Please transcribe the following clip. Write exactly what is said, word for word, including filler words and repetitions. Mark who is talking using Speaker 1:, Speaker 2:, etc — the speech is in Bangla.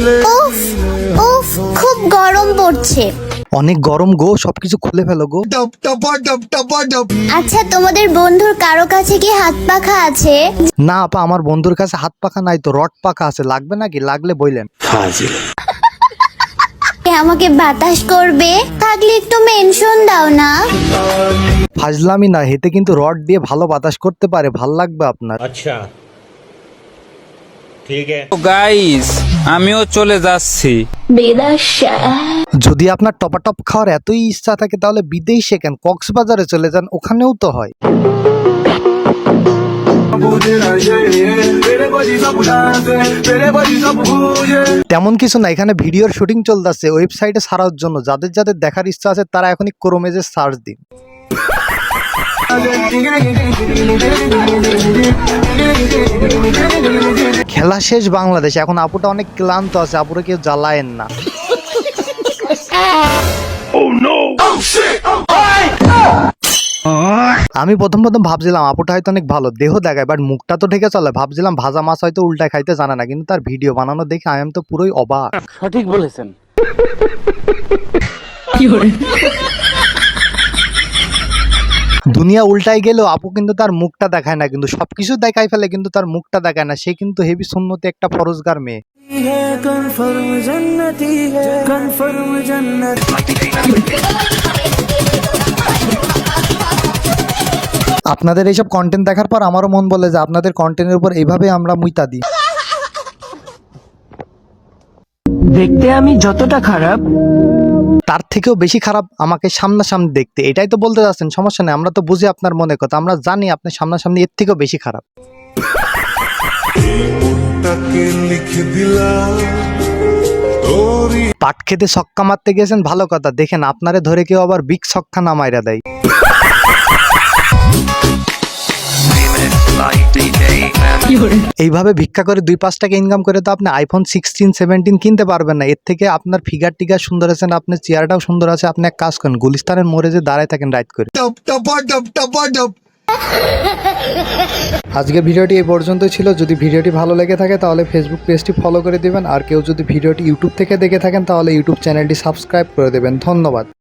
Speaker 1: উফ উফ খুব গরম পড়ছে।
Speaker 2: অনেক গরম গো, সবকিছু খুলে ফেলো গো।
Speaker 1: আচ্ছা তোমাদের বন্ধুর কারো কাছে কি হাত পাখা আছে?
Speaker 2: না আপা, আমার বন্ধুর কাছে হাত পাখা নাই তো, রড পাখা আছে। লাগবে নাকি? লাগলে বইলেন।
Speaker 1: আমাকে বাতাস করবে? থাকলে একটু মেনশন দাও না।
Speaker 2: ফাজলামি না, হেতে কিন্তু রড দিয়ে ভালো বাতাস করতে পারে, ভাল লাগবে আপনার।
Speaker 3: আচ্ছা ঠিক আছে
Speaker 4: গাইস, আমিও চলে যাচ্ছি।
Speaker 2: যদি আপনার টপাটপ খাওয়ার এতই ইচ্ছা থাকে তাহলে বিদেশে কেন, কক্সবাজারে চলে যান, ওখানেও তো হয়। তেমন কিছু না, এখানে ভিডিওর শুটিং চলতেছে ওয়েবসাইটে ছাড়ার জন্য। যাদের যাদের দেখার ইচ্ছা আছে তারা এখনই ক্রোমেজে সার্চ দিন। খেলা শেষ বাংলাদেশ। এখন আপুটা অনেক ক্লান্ত আছে, আপুরা কেউ জ্বালায়েন না। আমি প্রথম প্রথম ভাবছিলাম আপুটা হয়তো অনেক ভালো, দেহ দেখায়, বাট মুখটা তো ঢেকে চলে। ভাবছিলাম ভাজা মাছ হয়তো উল্টায় খাইতে জানে না, কিন্তু তার ভিডিও বানানো দেখে আমি তো পুরোই অবাক।
Speaker 4: সঠিক বলেছেন।
Speaker 2: দুনিয়া উল্টাই গেলেও আপু কিন্তু তার মুখটা দেখায় না, কিন্তু সবকিছু দেখাই ফেলে কিন্তু তার মুখটা দেখায় না। সে কিন্তু হেভি সুন্নতি একটা ফরজগার মেয়ে। আপনাদের এইসব কন্টেন্ট দেখার পর আমারও মন বলে যে আপনাদের কন্টেন্টের উপর এইভাবে আমরা মুইতা দিই।
Speaker 5: দেখতে আমি যতটা খারাপ,
Speaker 2: তার থেকেও বেশি খারাপ আমাকে সামনাসামনি দেখতে। এটাই তো বলতে যাচ্ছেন? সমস্যা নেই, আমরা তো বুঝি আপনার মনে কথা। আমরা জানি আপনি সামনাসামনি এর থেকেও বেশি খারাপ। পাট খেতে ছক্কা মারতে গেছেন, ভালো কথা। দেখেন আপনারে ধরে কেউ আবার বিগ ছক্কা না মাইরা দেয়। এইভাবে ভিক্ষা করে দুই পাঁচ টাকা ইনকাম করে তো আপনি আইফোন সিক্সটিন সেভেন্টিন কিনতে পারবেন না। এর থেকে আপনার ফিগার টিগার সুন্দর আছে না, আপনার চেয়ারটাও সুন্দর আছে। আপনি এক কাজ করেন, গুলিস্তানের মোড়ে যে দাঁড়ায় থাকেন রাইট করে। আজকে ভিডিওটি এই পর্যন্তই ছিল। যদি ভিডিওটি ভালো লেগে থাকে তাহলে ফেসবুক পেজটি ফলো করে দিবেন। আর কেউ যদি ভিডিওটি ইউটিউব থেকে দেখে থাকেন তাহলে ইউটিউব চ্যানেলটি সাবস্ক্রাইব করে দেবেন। ধন্যবাদ।